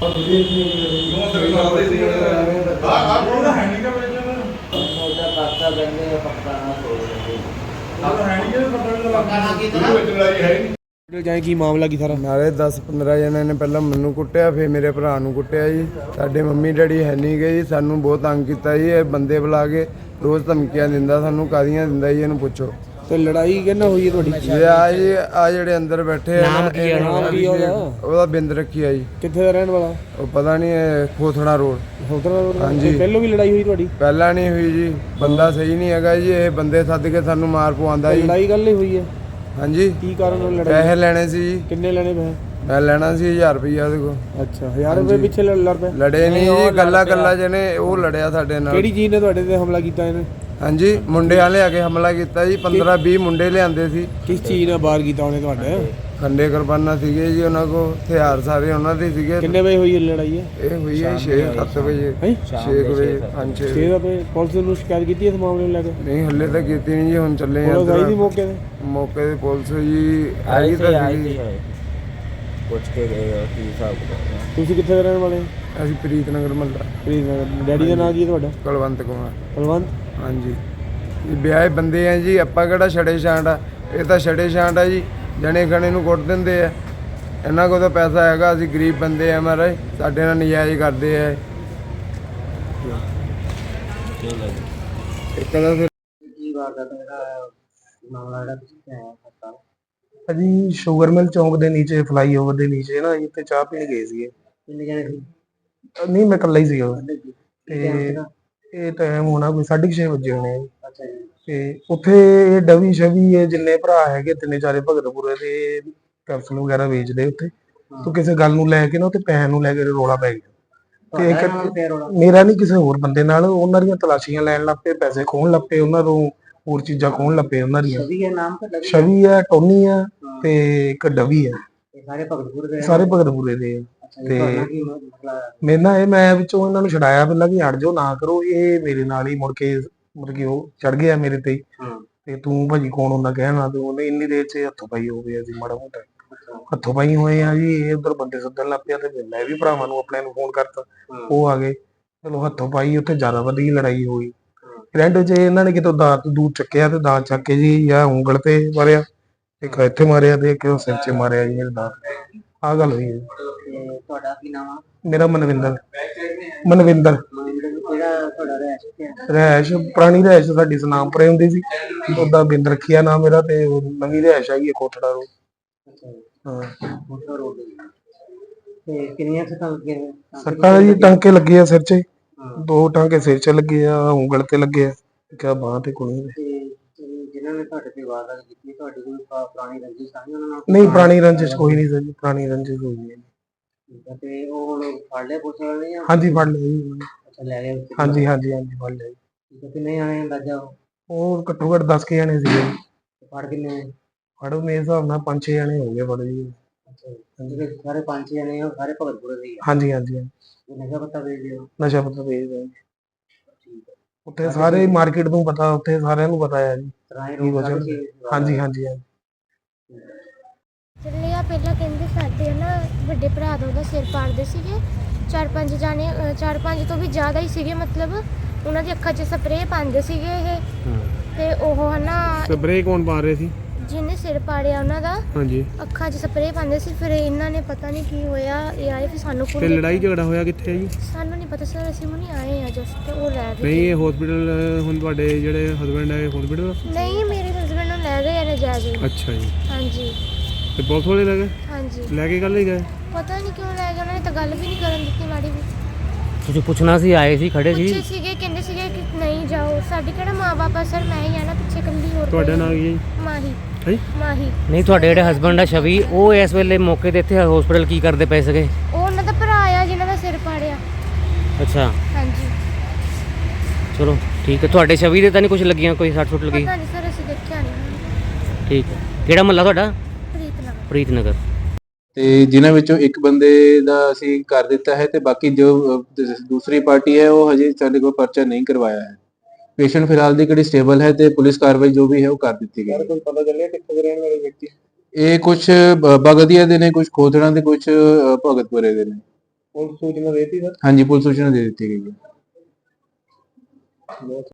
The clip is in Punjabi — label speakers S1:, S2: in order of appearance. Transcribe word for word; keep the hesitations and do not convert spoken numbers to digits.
S1: ਜਾਏ ਕੀ ਮਾਮਲਾ ਕੀ ਸਾਰਾ?
S2: ਨਾਲੇ ਦਸ ਪੰਦਰਾਂ ਜਣਿਆਂ ਨੇ ਪਹਿਲਾਂ ਮੈਨੂੰ ਕੁੱਟਿਆ, ਫਿਰ ਮੇਰੇ ਭਰਾ ਨੂੰ ਕੁੱਟਿਆ ਜੀ। ਸਾਡੇ ਮੰਮੀ ਡੈਡੀ ਹੈ ਨਹੀਂ ਗਏ ਜੀ, ਸਾਨੂੰ ਬਹੁਤ ਤੰਗ ਕੀਤਾ ਜੀ। ਇਹ ਬੰਦੇ ਬੁਲਾ ਕੇ ਰੋਜ਼ ਧਮਕੀਆਂ ਦਿੰਦਾ ਸਾਨੂੰ, ਕਾਹਦੀਆਂ ਦਿੰਦਾ ਜੀ ਇਹਨੂੰ ਪੁੱਛੋ।
S1: ਤੇ ਲੜਾਈ ਕਿਹਨਾਂ ਹੋਈ ਹੈ ਤੁਹਾਡੀ?
S2: ਇਹ ਆ ਜੀ ਆ ਜਿਹੜੇ ਅੰਦਰ ਬੈਠੇ ਆ
S1: ਨਾਮ ਕੀ ਹੈ? ਨਾਮ ਕੀ ਉਹਦਾ?
S2: ਉਹਦਾ ਬਿੰਦ ਰੱਖੀ ਆ ਜੀ।
S1: ਕਿੱਥੇ ਦਾ ਰਹਿਣ ਵਾਲਾ?
S2: ਉਹ ਪਤਾ ਨਹੀਂ, ਖੋਥੜਾ ਰੋਡ।
S1: ਖੋਥੜਾ ਰੋਡ?
S2: ਹਾਂਜੀ।
S1: ਪਹਿਲੋਂ ਵੀ ਲੜਾਈ ਹੋਈ ਤੁਹਾਡੀ?
S2: ਪਹਿਲਾਂ ਨਹੀਂ ਹੋਈ ਜੀ, ਬੰਦਾ ਸਹੀ ਨਹੀਂ ਹੈਗਾ ਜੀ। ਇਹ ਬੰਦੇ ਸੱਦ ਕੇ ਸਾਨੂੰ ਮਾਰ ਪਵਾਉਂਦਾ ਜੀ।
S1: ਲੜਾਈ ਗੱਲ ਹੀ ਹੋਈ ਹੈ?
S2: ਹਾਂਜੀ।
S1: ਕੀ ਕਾਰਨ ਨਾਲ ਲੜਾਈ?
S2: ਪੈਸੇ ਲੈਣੇ ਸੀ ਜੀ।
S1: ਕਿੰਨੇ ਲੈਣੇ ਪੈਸੇ?
S2: ਮੈਂ ਲੈਣਾ ਸੀ ਹਜ਼ਾਰ ਰੁਪਈਆ ਉਹਦੇ ਕੋਲ।
S1: ਅੱਛਾ, ਹਜ਼ਾਰ ਰੁਪਏ ਪਿੱਛੇ ਲੜ ਪਏ?
S2: ਲੜੇ ਨਹੀਂ ਜੀ, ਗੱਲਾਂ ਗੱਲਾਂ ਜਿਹਨੇ ਉਹ ਲੜਿਆ ਸਾਡੇ ਨਾਲ।
S1: ਕਿਹੜੀ ਚੀਜ਼ ਨੇ ਤੁਹਾਡੇ ਤੇ ਹਮਲਾ ਕੀਤਾ ਇਹਨੇ?
S2: ਹਾਂਜੀ, ਮੁੰਡੇ ਵਾਲੇ ਆ ਕੇ ਹਮਲਾ ਕੀਤਾ ਜੀ। ਪੰਦਰਾਂ ਵੀਹ ਮੁੰਡੇ ਲਿਆਂਦੇ ਸੀ।
S1: ਕਿਸ ਚੀਜ਼ ਨਾਲ ਬਾਹਰ ਕੀਤਾ ਉਹਨੇ ਤੁਹਾਡੇ?
S2: ਖੰਡੇ ਕੁਰਬਾਨਾ ਸੀਗੇ ਜੀ ਉਹਨਾਂ ਕੋਲ, ਹਥਿਆਰ ਸਾਰੇ ਉਹਨਾਂ ਦੇ ਸੀਗੇ।
S1: ਕਿੰਨੇ ਵਜੇ ਹੋਈ ਇਹ ਲੜਾਈ ਹੈ?
S2: ਇਹ ਹੋਈ ਹੈ ਛੇ ਸੱਤ ਵਜੇ। ਛੇ ਵਜੇ ਪੰਜ ਛੇ
S1: ਛੇ ਵਜੇ। ਪੁਲਿਸ ਨੂੰ ਸ਼ਿਕਾਇਤ ਕੀਤੀ ਇਸ ਮਾਮਲੇ ਨੂੰ ਲੈ ਕੇ?
S2: ਨਹੀਂ, ਹੱਲੇ ਤਾਂ ਕੀਤੀ ਨਹੀਂ ਜੀ, ਹੁਣ ਚੱਲੇ ਆ।
S1: ਪੁਲਿਸ ਆਈ ਸੀ ਮੌਕੇ ਤੇ?
S2: ਮੌਕੇ ਤੇ ਪੁਲਿਸ ਜੀ ਆਈ ਤਾਂ ਸੀਗੀ।
S3: ਪੁੱਛ ਕੇ ਗਏ ਕੀ ਹਿਸਾਬ ਕਿਤਾਬ।
S1: ਤੁਸੀਂ ਕਿੱਥੇ ਦੇ ਰਹਿਣ ਵਾਲੇ?
S2: ਅਸੀਂ ਪ੍ਰੀਤ ਨਗਰ ਮਹੱਲਾ।
S1: ਪ੍ਰੀਤ ਨਗਰ। ਡੈਡੀ ਦਾ ਨਾਂ ਕੀ ਹੈ ਤੁਹਾਡਾ?
S2: ਕੁਲਵੰਤ ਕੁਮਾਰ।
S1: ਕੁਲਵੰਤ?
S2: ਹਾਂਜੀ। ਇਹ ਵਿਆਹੇ ਬੰਦੇ ਆ ਜੀ, ਆਪਾਂ ਕਿਹੜਾ ਛੜੇ ਛਾਂਟ ਆ? ਇਹ ਤਾਂ ਛੜੇ ਛਾਂਟ ਆ ਜੀ, ਜਣੇ ਖਣੇ ਨੂੰ ਕੁੱਟ ਦਿੰਦੇ ਆ। ਇਹਨਾਂ ਕੋਲ ਤਾਂ ਪੈਸਾ ਹੈਗਾ, ਅਸੀਂ ਗਰੀਬ ਬੰਦੇ ਆ ਮਹਾਰਾਜ, ਸਾਡੇ ਨਾਲ ਨਜਾਇਜ਼ ਕਰਦੇ ਆ। ਇੱਕ ਤਾਂ ਫਿਰ
S4: ਅਜੀ ਸ਼ੂਗਰ ਮਿਲ ਚੌਂਕ ਦੇ ਨੀਚੇ, ਫਲਾਈਓਵਰ ਦੇ ਨੀਚੇ ਨਾ, ਇੱਥੇ ਚਾਹ ਪੀਣ ਗਏ ਸੀਗੇ।
S3: ਕਿੰਨੇ ਜਣੇ ਸੀ?
S4: ਨਹੀਂ, ਮੈਂ ਇਕੱਲਾ ਹੀ ਸੀਗਾ। ਤੇ ਇਹ ਟਾਈਮ ਹੋਣਾ ਕੋਈ ਸਾਢੇ ਛੇ ਵਜੇ ਹੋਣੇ ਆ।
S3: ਅੱਛਾ ਜੀ।
S4: ਤੇ ਉੱਥੇ ਇਹ ਡਵੀ ਸ਼ਵੀ ਇਹ ਜਿੰਨੇ ਭਰਾ ਹੈਗੇ ਤਿੰਨੇ ਚਾਰੇ ਭਗਤਪੁਰੇ ਦੇ ਕੈਪਸੂਲ ਵਗੈਰਾ ਵੇਚਦੇ ਉੱਥੇ। ਤੂੰ ਕਿਸੇ ਗੱਲ ਨੂੰ ਲੈ ਕੇ ਨਾ ਉੱਥੇ ਪੈਸੇ ਨੂੰ ਲੈ ਕੇ ਰੋਲਾ ਪੈ ਗਿਆ। ਤੇ ਇੱਕ ਮੇਰਾ ਨਹੀਂ, ਕਿਸੇ ਹੋਰ ਬੰਦੇ ਨਾਲ। ਉਹਨਾਂ ਦੀਆਂ ਤਲਾਸ਼ੀਆਂ ਲੈਣ ਲੱਗ ਪਏ, ਪੈਸੇ ਖੋਹਣ ਲੱਗ ਪਏ ਉਹਨਾਂ ਤੋਂ, ਹੋਰ ਚੀਜ਼ਾਂ ਖੋਹਣ ਲੱਗ ਪਏ ਉਹਨਾਂ ਦੀਆਂ। ਛਵੀ ਆ, ਟੋਨੀ ਆ, ਤੇ ਇੱਕ ਡਵੀ ਆ।
S3: ਸਾਰੇ ਭਗਤਪੁਰ ਦੇ? ਸਾਰੇ
S4: ਭਗਤਪੁਰੇ ਦੇ। ਤੇ ਮੇਰੇ ਨਾਲ ਇਹ, ਮੈਂ ਵਿੱਚੋਂ ਇਹਨਾਂ ਨੂੰ ਛਡਾਇਆ ਪਹਿਲਾਂ ਕਿ ਹਟ ਜਾਓ, ਨਾ ਕਰੋ। ਇਹ ਮੇਰੇ ਨਾਲ ਹੀ ਮੁੜ ਕੇ ਮਤਲਬ ਕਿ ਉਹ ਚੜ ਗਿਆ ਮੇਰੇ ਤੇ। ਤੇ ਤੂੰ ਭਾਜੀ ਕੌਣ ਹੁੰਦਾ ਕਹਿਣਾ? ਤੇ ਉਹਨੇ ਇੰਨੀ ਦੇਰ ਚ ਹੱਥੋਂ ਪਾਈ ਹੋ ਗਏ ਅਸੀਂ ਮਾੜਾ ਮੋਟਾ ਹੱਥੋਂ ਪਾਈ ਹੋਏ ਆ ਜੀ। ਇਹ ਉਧਰ ਬੰਦੇ ਸੱਦਣ ਲੱਗ ਪਿਆ ਤੇ ਮੈਂ ਵੀ ਭਰਾਵਾਂ ਨੂੰ ਆਪਣੇ ਨੂੰ ਫੋਨ ਕਰਤਾ, ਉਹ ਆ ਗਏ। ਚਲੋ ਹੱਥੋਂ ਪਾਈ, ਉੱਥੇ ਜ਼ਿਆਦਾ ਵਧੀ ਲੜਾਈ ਹੋਈ। ਰੈਂਟ ਚ ਇਹਨਾਂ ਨੇ ਕਿਤੋਂ ਦਾਤ ਦੂਤ ਚੱਕਿਆ ਤੇ ਦਾਤ ਚੱਕ ਕੇ ਜੀ ਜਾਂ ਉਂਗਲ ਤੇ ਮਾਰਿਆ, ਇੱਕ ਇੱਥੇ ਮਾਰਿਆ ਤੇ ਇੱਕ ਸਿਰ ਚ ਮਾਰਿਆ ਜੀ ਮੇਰੇ ਦਾਤ। ਆਹ ਗੱਲ ਹੋਈ ਹੈ।
S3: ਤੁਹਾਡਾ ਕੀ ਨਾਮ ਆ?
S4: ਮੇਰਾ ਮਨਵਿੰਦਰ। ਮਨਵਿੰਦਰ। ਰਹਿਸ਼ ਪੁਰਾਣੀ ਰਹਿਸ਼ ਸਾਡੀ ਸਨਾਮਪੁਰੇ ਹੁੰਦੀ ਸੀ, ਉਹਦਾ ਬਿੰਦ ਰੱਖਿਆ ਨਾਮ ਮੇਰਾ। ਤੇ ਨਵੀਂ ਰਹਿਸ਼ ਹੈਗੀ ਹੈ ਖੋਥੜਾ ਰੋਡ। ਹਾਂ। ਸੱਟਾਂ ਜੀ ਟਾਂਕੇ ਲੱਗੇ ਆ ਸਿਰ ਚ, ਦੋ ਟਾਂਕੇ ਸਿਰ ਚ ਲੱਗੇ ਆ, ਉਂਗਲ ਤੇ ਲੱਗੇ ਆ, ਕਿਆ ਬਾਂਹ ਤੇ ਕੋਈ।
S3: ਜਿਨ੍ਹਾਂ ਨੇ ਤੁਹਾਡੇ ਤੇ ਵਾਰਦਾਤ ਕੀਤੀ, ਤੁਹਾਡੀ ਕੋਈ ਪੁਰਾਣੀ ਰੰਜਿਸ਼ ਸਾਂਝੀ ਉਹਨਾਂ ਨਾਲ?
S4: ਨਹੀਂ, ਪੁਰਾਣੀ ਰੰਜਿਸ਼ ਕੋਈ ਨਹੀਂ ਸਰ, ਪੁਰਾਣੀ ਰੰਜਿਸ਼ ਕੋਈ ਨਹੀਂ।
S3: ਤੇ ਉਹ ਹੁਣ ਫੜ ਲਿਆ ਪੁਲਿਸ ਵਾਲਿਆਂ ਨੇ?
S4: ਹਾਂਜੀ, ਫੜ ਲਿਆ ਜੀ।
S3: ਅੱਛਾ, ਲੈ ਗਏ?
S4: ਹਾਂਜੀ ਹਾਂਜੀ ਹਾਂਜੀ, ਫੜ ਲਿਆ ਜੀ।
S3: ਕਿੰਨੇ ਜਾਣੇ ਅੰਦਾਜ਼ਾ?
S4: ਉਹ ਘੱਟੋ ਘੱਟ ਦਸ ਕੇ ਜਾਣੇ ਸੀਗੇ।
S3: ਫੜ ਕਿੰਨੇ?
S4: ਫੜੋ ਮੇਰੇ ਹਿਸਾਬ ਨਾਲ ਪੰਜ ਛੇ ਜਾਣੇ ਹੋ ਗਏ ਫੜ ਜੀ।
S3: ਅੱਛਾ, ਸਾਰੇ ਪੰਜ ਛੇ ਜਾਣੇ ਸਾਰੇ ਭਗਤਪੁਰੇ ਦੇ?
S4: ਹਾਂਜੀ ਹਾਂਜੀ।
S3: ਨਸ਼ਾ ਪੱਤਾ ਵੇਚਦੇ ਹੋ?
S4: ਨਸ਼ਾ ਪੱਤਾ ਵੇਚਦੇ। ਉੱਥੇ ਸਾਰੇ ਮਾਰਕੀਟ ਨੂੰ ਪਤਾ, ਉੱਥੇ ਸਾਰਿਆਂ ਨੂੰ ਪਤਾ ਹੈ ਜੀ। ਹਾਂਜੀ ਹਾਂਜੀ।
S5: ਚੱਲੇ ਆ ਪਹਿਲਾਂ ਕਹਿੰਦੇ ਸਾਡੇ ਨਾ ਵੱਡੇ ਭਰਾ ਦਾ ਉਹਦਾ ਸਿਰ ਪਾੜਦੇ ਸੀਗੇ, ਚਾਰ ਪੰਜ ਜਾਣੇ, ਚਾਰ ਪੰਜ ਤੋਂ ਵੀ ਜ਼ਿਆਦਾ ਹੀ ਸੀਗੇ। ਮਤਲਬ ਉਹਨਾਂ ਦੀ ਅੱਖਾਂ 'ਚ ਸਪਰੇਅ ਪਾਉਂਦੇ ਸੀਗੇ ਇਹ। ਤੇ ਉਹ ਹਨਾ
S1: ਸਪਰੇਅ ਕੌਣ ਪਾ ਰਹੇ ਸੀ?
S5: ਜਿਹਨੇ ਸਿਰ ਪਾੜਿਆ ਉਹਨਾਂ ਦਾ।
S1: ਹਾਂਜੀ।
S5: ਅੱਖਾਂ 'ਚ ਸਪਰੇਅ ਪਾਉਂਦੇ ਸੀ। ਫਿਰ ਇਹਨਾਂ ਨੇ ਪਤਾ ਨਹੀਂ ਕੀ ਹੋਇਆ, ਇਹ ਆਏ ਫਿਰ ਸਾਨੂੰ।
S1: ਤੇ ਲੜਾਈ ਝਗੜਾ ਹੋਇਆ ਕਿੱਥੇ ਹੈ ਜੀ?
S5: ਸਾਨੂੰ ਨਹੀਂ ਪਤਾ ਸਰ, ਅਸੀਂ ਹੁਣੀ ਆਏ ਆ ਜਸਟ। ਉਹ ਲੈ ਗਏ।
S1: ਨਹੀਂ, ਇਹ ਹਸਪੀਟਲ ਹੁਣ ਤੁਹਾਡੇ ਜਿਹੜੇ ਹਸਬੈਂਡ ਹੈ ਹਸਪੀਟਲ?
S5: ਨਹੀਂ, ਮੇਰੇ ਹਸਬੈਂਡ ਨੂੰ ਲੈ ਗਏ ਨੇ ਜਾ ਕੇ।
S1: ਅੱਛਾ ਜੀ।
S5: ਹਾਂਜੀ।
S1: ਤੇ ਪੁਲਿਸ ਵਾਲੇ ਲੈ ਗਏ?
S5: ਹਾਂਜੀ।
S1: ਲੈ ਕੇ ਕੱਲ ਹੀ ਗਏ?
S5: ਪਤਾ ਨਹੀਂ ਕਿਉਂ ਲੈ ਗਏ, ਉਹਨਾਂ ਨੇ ਤਾਂ ਗੱਲ ਵੀ ਨਹੀਂ ਕਰਨ ਦਿੱਤੀ ਮਾੜੀ ਵੀ।
S3: ਤੁਸੀਂ ਪੁੱਛਣਾ ਸੀ, ਆਏ ਸੀ, ਖੜੇ ਸੀ?
S5: ਪੁੱਛੇ ਸੀਗੇ, ਕਹਿੰਦੇ ਸੀਗੇ ਕਿ ਨਹੀਂ ਜਾਓ, ਸਾਡੇ ਕਿਹੜਾ ਮਾਂ-ਬਾਪ ਆ ਸਰ, ਮੈਂ ਹੀ ਆ ਨਾ ਪਿੱਛੇ ਇਕੱਲੀ। ਹੋਰ
S1: ਤੁਹਾਡਾ ਨਾਮ ਕੀ ਹੈ ਜੀ?
S5: ਮਾਹੀ।
S1: ਹੈ
S5: ਮਾਹੀ।
S3: ਨਹੀਂ, ਤੁਹਾਡੇ ਜਿਹੜੇ ਹਸਬੰਡ ਆ ਛਵੀ, ਉਹ ਇਸ ਵੇਲੇ ਮੌਕੇ ਤੇ ਇੱਥੇ ਹਸਪੀਟਲ ਕੀ ਕਰਦੇ ਪਏ ਸੀਗੇ?
S5: ਉਹ ਉਹਨਾਂ ਦਾ ਭਰਾ ਆ ਜਿਹਨਾਂ ਦਾ ਸਿਰ ਪਾੜਿਆ।
S3: ਅੱਛਾ।
S5: ਹਾਂਜੀ।
S3: ਚਲੋ ਠੀਕ ਹੈ। ਤੁਹਾਡੇ ਛਵੀ ਦੇ ਤਾਂ ਨਹੀਂ ਕੁਝ ਲੱਗੀਆਂ, ਕੋਈ ਸੱਟ ਸੁੱਟ ਲੱਗੀ?
S5: ਪਤਾ ਨਹੀਂ ਸਰ, ਅਸੀਂ ਦੇਖਿਆ ਨਹੀਂ।
S3: ਠੀਕ ਹੈ। ਕਿਹੜਾ ਮਹੱਲਾ ਤੁਹਾਡਾ?
S5: ਪ੍ਰੀਤ ਨਗਰ।
S3: ਪ੍ਰੀਤ ਨਗਰ।
S6: ਤੇ ਜਿਨ੍ਹਾਂ ਵਿੱਚੋਂ ਇੱਕ ਬੰਦੇ ਦਾ ਅਸੀਂ ਕਰ ਦਿੱਤਾ ਹੈ ਤੇ ਬਾਕੀ ਜੋ ਦੂਸਰੀ ਪਾਰਟੀ ਹੈ ਉਹ ਹਜੇ ਸਾਡੇ ਕੋਲ ਪਰਚਾ ਨਹੀਂ ਕਰਵਾਇਆ ਹੈ। ਪੇਸ਼ੈਂਟ ਫਿਲਹਾਲ ਦੀ ਕਿਹੜੀ ਸਟੇਬਲ ਹੈ ਤੇ ਪੁਲਿਸ ਕਾਰਵਾਈ ਜੋ ਵੀ ਹੈ ਉਹ ਕਰ ਦਿੱਤੀ ਗਈ ਹੈ।
S4: ਕੋਈ ਪਤਾ ਚੱਲਿਆ ਕਿੱਥੇ ਦੇ ਰਹਿਣ ਵਾਲੇ ਵਿਅਕਤੀ?
S6: ਇਹ ਕੁਝ ਬਗਦੀਆ ਦੇ ਨੇ, ਕੁਝ ਖੋਥੜਾ ਦੇ, ਕੁਝ ਭਗਤਪੁਰੇ ਦੇ ਨੇ।
S4: ਪੁਲਿਸ ਸੂਚਨਾ ਦੇਤੀ ਸਰ
S6: हाँ जी पुलिस सूचना दे दी गई है।